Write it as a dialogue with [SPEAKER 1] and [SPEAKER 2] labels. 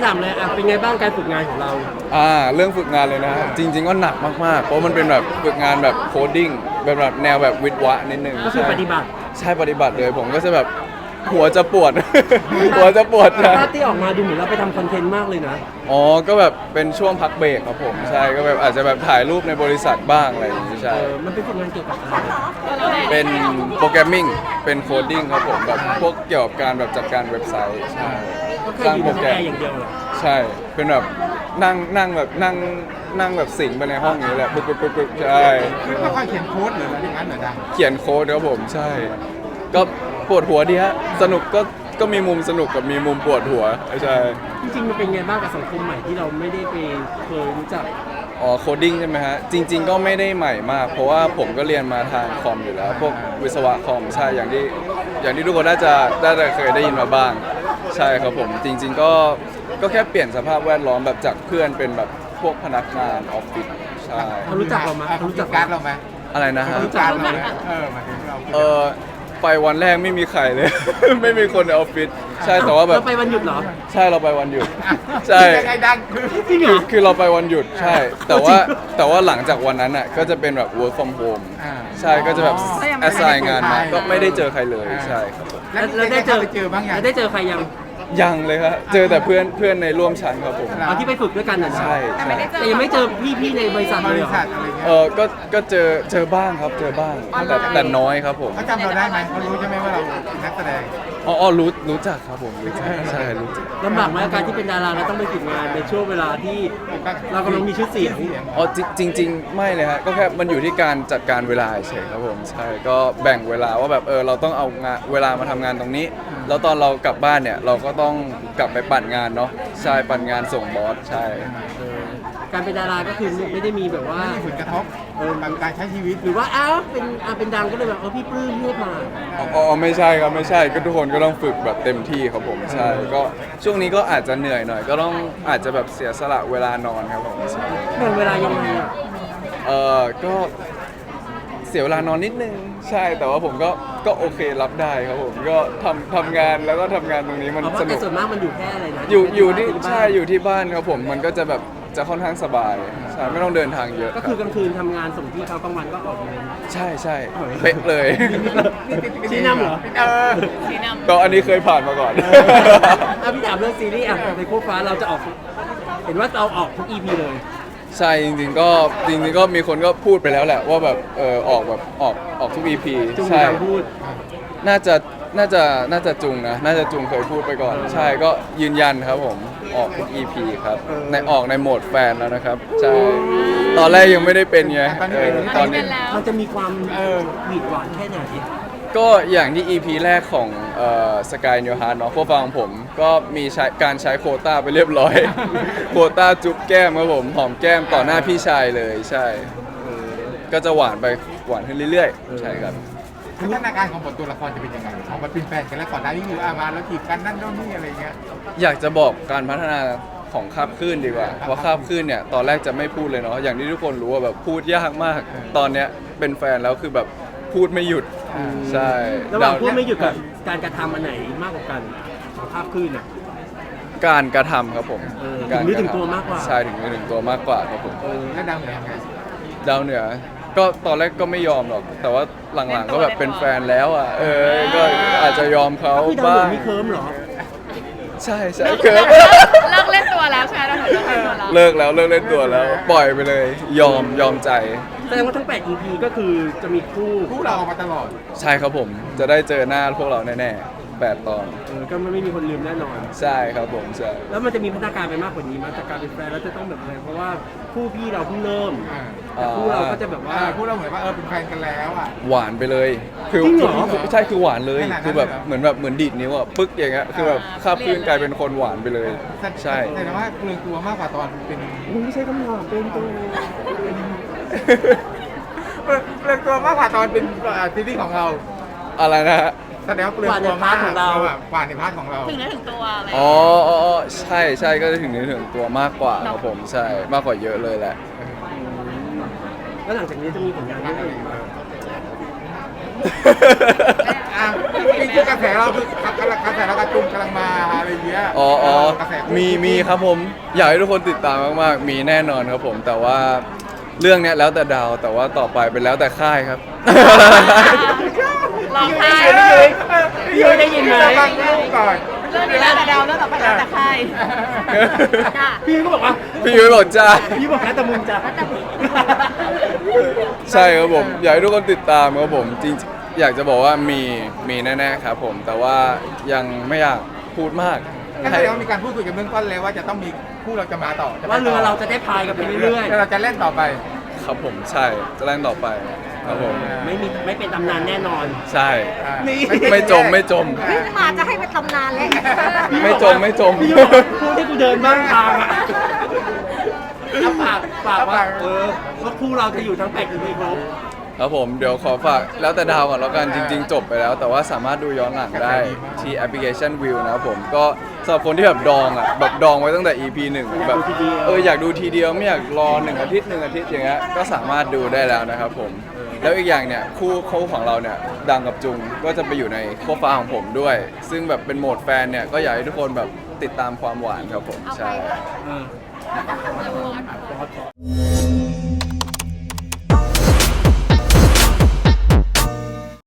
[SPEAKER 1] ถามเลยเป็นไงบ้างการฝึกงานของเรา
[SPEAKER 2] เรื่องฝึกงานเลยนะจริงๆก็หนักมากๆเพราะมันเป็นแบบฝึกงานแบบโคดดิ้งแบบแนวแบบวิทย์วะนิดนึง
[SPEAKER 1] ก็คือปฏิบัติ
[SPEAKER 2] ใช่ปฏิบัติเลยผมก็จะแบบหัวจะปวด หัวจะปวด
[SPEAKER 1] ภาพที่ออกมาดูเหมือนเราไปทำคอนเทนต์มากเลยนะ
[SPEAKER 2] ก็แบบเป็นช่วงพักเบรกครับผมใช่ก็แบบอาจจะแบบถ่ายรูปในบริษัทบ้างอะไรอย่างนี้ใช่
[SPEAKER 1] มันเป็นฝึกงานเกี่ยวกับอะไร
[SPEAKER 2] เป็นโปรแกรมมิ่งเป็นโคดดิ้งครับผมแบบพวกเกี่ยวกับการแบบจัดการเว็บไซต์ใช่
[SPEAKER 1] สร้างโปรแกรมอย่างเดียวเหรอ
[SPEAKER 2] ใช่เป็นแบบนั่งแบบสิงไปในห้องนี้แหละปึ๊บใช่
[SPEAKER 3] ไม่ค่อยเขียนโค้ดหรืออะไรอย่างนั้นเหรอดัง
[SPEAKER 2] เขียนโค้ดครับผมใช่ก็ปวดหัวดีฮะสนุกก็มีมุมสนุกกับมีมุมปวดหัวใช่
[SPEAKER 1] จริงๆมันเป็นไงบ้างกับสังคมใหม่ที่เราไม่ได้ไปเคยรู้จัก
[SPEAKER 2] โคดดิ้งใช่ไหมฮะจริงๆก็ไม่ได้ใหม่มากเพราะว่าผมก็เรียนมาทางคอมอยู่แล้วพวกวิศวะคอมใช่อย่างที่ทุกคนน่าจะเคยได้ยินมาบ้างใช่ครับผมจริงๆก็แค่เปลี่ยนสภาพแวดล้อมแบบจากเพื่อนเป็นแบบพวกพนักงานออฟฟิศใช่
[SPEAKER 1] เขารู้จักเราไหม
[SPEAKER 3] เขารู้จักการเราไหม
[SPEAKER 2] อะไรนะฮะ
[SPEAKER 3] รู้จักเราไหมมาถึงเรา
[SPEAKER 2] ไปวันแรกไม่มีใครเลย ไม่มีคนในออฟฟิศใช่แต่ว่าแบบ
[SPEAKER 1] เราไปวันหยุดเหรอ
[SPEAKER 2] ใช่เราไปวันหยุดใช่
[SPEAKER 3] ไอ้ดัง
[SPEAKER 2] คือเราไปวันหยุดใช่แต่ว่าหลังจากวันนั้นอ่ะก็จะเป็นแบบ work from home ใช่ก็จะแบบ assign งานมาก็ไม่ได้เจอใครเลยใช่ครับผม
[SPEAKER 1] แล้วได้เจอบ้างยังได้เจอใคร
[SPEAKER 2] ยังเลยครับเจอแต่เพื่อนในร่วมชั้นครับผม
[SPEAKER 1] ที่ไปฝึกด้วยกันน่ะ
[SPEAKER 2] ใช่
[SPEAKER 1] แต่ยังไม่เจอพี่ในบริษัทเลยเหรอ
[SPEAKER 2] ก็เจอบ้างครับเจอบ้างแต่น้อยครับผม
[SPEAKER 3] เขาจำเราได้ไหมเขารู้ใช่ไหมว่าเราเป็นนักแสดง
[SPEAKER 2] รู้จักครับผมรู้จักใช่รู้จัก
[SPEAKER 1] ลำบากไหมการที่เป็นดาราแล้วต้องไปฝึกงานในช่วงเวลาที่เรากำลังมีชื่อเสียง
[SPEAKER 2] จริงไม่เลยฮะก็แค่มันอยู่ที่การจัดการเวลาเฉยครับผมใช่ก็แบ่งเวลาว่าแบบเราต้องเอางานเวลามาทำงานตรงนี้แล้วตอนเรากลับบ้านเนี่ยเราก็ต้องกลับไปปั่นงานเนาะใช่ปั่นงานส่งบอสใช่
[SPEAKER 1] การเป็นดาราก็คือไม่ได้มีแบบว่า
[SPEAKER 3] ผลกระทบการใช้ชีวิต
[SPEAKER 1] หรือว่าเป็นดังก็เลยแบบพี่ปลื้มเลือกมา
[SPEAKER 2] ไม่ใช่ครับไม่ใช่ก็ทุกคนก็ต้องฝึกแบบเต็มที่ครับผมใช่ก็ช่วงนี้ก็อาจจะเหนื่อยหน่อยก็ต้องอาจจะแบบเสียสละเวลานอนครับผม
[SPEAKER 1] แบ่งเวลายังไง
[SPEAKER 2] ก็เสียเวลานอนนิดนึงใช่แต่ว่าผมก็โอเครับได้ครับผมก็ทำงานแล้วก็ทำงานตรงนี้มันสนุก
[SPEAKER 1] ส่วนมากมันอยู่แค่อะไรนะ
[SPEAKER 2] อยู่ที่ใช่อยู่ที่บ้านครับผมมันก็จะแบบจะค่อนข้างสบายใช่ไม่ต้องเดินทางเยอะ
[SPEAKER 1] ก็คือกลางคืนทำงานส่งที่เขากลางวันก็ออกเลย
[SPEAKER 2] ใช่เป๊ะเลย
[SPEAKER 1] ชี้นำเหรอ
[SPEAKER 2] ชี้นำก็อันนี้เคยผ่านมาก่อน
[SPEAKER 1] พี่ถามเรื่องซีรีส์ในโคฟ้าเราจะออกเห็นว่าเราออกทุก EP เลย
[SPEAKER 2] ใช่จริงๆก็มีคนก็พูดไปแล้วแหละว่าแบบออกแบบออกทุก EP ใช่น่าจะจุงนะน่าจะจุงเคยพูดไปก่อนใช่ก็ยืนยันครับผมออกทุก EP ครับออกในโหมดแฟนแล้วนะครับใช่ตอนแรกยังไม่ได้เป็นไง
[SPEAKER 1] ตอนนี้มันจะมีความหวีดหวานแค่ไหน
[SPEAKER 2] ก็อย่างที่ EP แรกของสกายนิวฮาร์ดเนาะโคฟังผมก็มีการใช้โควต้าไปเรียบร้อย โควต้าจุ๊บแก้มครับผมหอมแก้มต่อหน้าพี่ชายเลยใช่ก็จะหวานขึ้นเรื่อยๆใช่ครับ
[SPEAKER 3] พัฒนาการของบทตัวละครจะเป็นยังไงออกมาเป็นแฟนกันแล้วก่อนหน้านี้คือมาแล้วจีบกันนั่นโน่นนี่อะไรเงี้ย
[SPEAKER 2] อยากจะบอกการพัฒนาของคาบคลื่นดีกว่าเพราะคาบคลื่นเนี่ยตอนแรกจะไม่พูดเลยเนาะอย่างที่ทุกคนรู้ว่าแบบพูดยากมากตอนเนี้ยเป็นแฟนแล้วคือแบบพูดไม่หยุดใช่
[SPEAKER 1] ระหว่างพูดไม่หยุดกับการกระทำอันไหนมากกว่ากันของคาบคลื่นเนี่ย
[SPEAKER 2] การกระทำครับผม
[SPEAKER 1] ถึงนึกถึงตัวมากกว่า
[SPEAKER 2] ใช่ถึงนึกถึงตัวมากกว่าครับผม
[SPEAKER 3] แล้วดาวเหนือไง
[SPEAKER 2] ดาวเหนือก็ตอนแรกก็ไม่ยอมหรอกแต่ว่าหลังๆก็แบบเป็นแฟนแล้วอ่ะก็อาจจะยอมเขา
[SPEAKER 1] บ้างมีเคิร์มเหรอ
[SPEAKER 2] ใช่เคิร์ม
[SPEAKER 4] เลิกเล่นตัวแล้วใช่ไหมเรา
[SPEAKER 2] เลิกเล่นตัวแล้วปล่อยไปเลยยอมใจ
[SPEAKER 1] แสดงว่าทั้ง8 EP ก็คือจะมีคู่
[SPEAKER 3] เรามาตลอด
[SPEAKER 2] ใช่ครับผมจะได้เจอหน้าพวกเราแน่8 ตอน
[SPEAKER 1] ก็ไม่มีคนลืมแน่นอน
[SPEAKER 2] ใช่ครับผมใช่
[SPEAKER 1] แล้วมันจะมีพัฒนาการไปมากกว่านี้มั้ยจากการเป็นแฟนแล้วจะต้องแบบอะไรเพราะว่าคู่พี่เราเพิ่งเริ่มแต่คู่เราก็จะแบบว่า
[SPEAKER 3] คู่เราเหมือนว่าเป็นแฟนกันแล้วอ่ะ
[SPEAKER 2] หวานไปเลยคือใช่คือหวานเลยคือแบบเหมือนดีดนิ้วอ่ะปึ๊กอย่างเงี้ยคือแบบคาบคลื่นกลายเป็นคนหวานไปเลยใช่
[SPEAKER 3] แต่ว่าเปลืองตัวมากกว่าตอนเป็น
[SPEAKER 1] ไม่ใช่คำถามเป็นตัว
[SPEAKER 3] เปลืองตัวมากกว่าตอนเป็นซีรีส์ของเรา
[SPEAKER 2] อะไรนะฮะ
[SPEAKER 3] แสดงว่าเปลืองตัวมากของเรากว่าในพาร์ทของเรา
[SPEAKER 4] ถึงเนื้อถึงตัวอะไร
[SPEAKER 2] ใช่ก็จะถึงเนื้อถึงตัวมากกว่าครับผมใช่มากกว่าเยอะเลยแหละ
[SPEAKER 1] แล้วหลังจากนี้จะมีผลงานเรื่องอะไรมา
[SPEAKER 3] คือกระแสเราคือกระแสเรากระจุมกำลังมาอะไรอย่างเงี้ย
[SPEAKER 2] อ๋อ
[SPEAKER 3] กระแส
[SPEAKER 2] มีครับผมอยากให้ทุกคนติดตามมากๆมีแน่นอนครับผมแต่ว่าเรื่องเนี้ยแล้วแต่ดาวแต่ว่าต่อไปเป็นแล้วแต่ค่ายครับ
[SPEAKER 4] ลองทาย
[SPEAKER 1] พี่ยุ้ยได้ยินไหม
[SPEAKER 3] ฟังลูกก่อน
[SPEAKER 4] เรื่องนี้แล้วแต่ดาวเรื่องต่อไปแล้วแต่ใครจ้ะ
[SPEAKER 1] พี่ยุ้ยก็บอกว่า
[SPEAKER 2] พี่ยุ้ยบอกจ้า
[SPEAKER 1] พี่บอกแล้วแต่มึงจ้ะ
[SPEAKER 2] ใช่ครับผมอยากให้ทุกคนติดตามครับผมจริงๆอยากจะบอกว่ามีแน่ๆครับผมแต่ว่ายังไม่อยากพูดมาก
[SPEAKER 3] ก็แสดงว่ามีการพูดคุยกันเบื้องต้นแล้วว่าจะต้องมีคู่เราจะมาต่อจะไป
[SPEAKER 1] ว่า
[SPEAKER 3] ต่
[SPEAKER 1] เรือเราจะได้พายกันไปเรื่อย
[SPEAKER 3] แล้วเราจะเล่นต่อไป
[SPEAKER 2] ครับผมใช่จะเล่นต่อไปครับผม
[SPEAKER 1] ๆ ไม่เป็นตำนานแน่นอน
[SPEAKER 2] ใช่
[SPEAKER 1] นี่
[SPEAKER 2] ไม่จม
[SPEAKER 5] มาจะให้ไปทำนานแล้ว
[SPEAKER 2] ไม่จม
[SPEAKER 1] พี่ยุ้ยบอกพูดให้กูเดินบ้างทางอ่ะเอาฝากว่าว่าคู่เราจะอยู่ทั้ง8 EP ครบ
[SPEAKER 2] ครับผมเดี๋ยวขอฝากแล้วแต่ดาวก่อนแล้วกันจริง ๆ จบไปแล้ว แต่ว่าสามารถดูย้อนหลังได้ที่แอปพลิเคชัน View นะครับผมก็สำหรับคนที่แบบดองอ่ะแบบดองไว้ตั้งแต่ EP 1แบบอยากดูทีเดียวไม่อยากรอ1 อาทิตย์อย่างเงี้ยก็สามารถดูได้แล้วนะครับผมแล้วอีกอย่างเนี่ยคู่ของเราเนี่ยดังกับจุงก็จะไปอยู่ในโคฟ้าของผมด้วย ซึ่งแบบเป็นโหมดแฟนเนี่ยก็อยากให้ทุกคนแบบติดตามความหวานครับผมใช่
[SPEAKER 1] เออ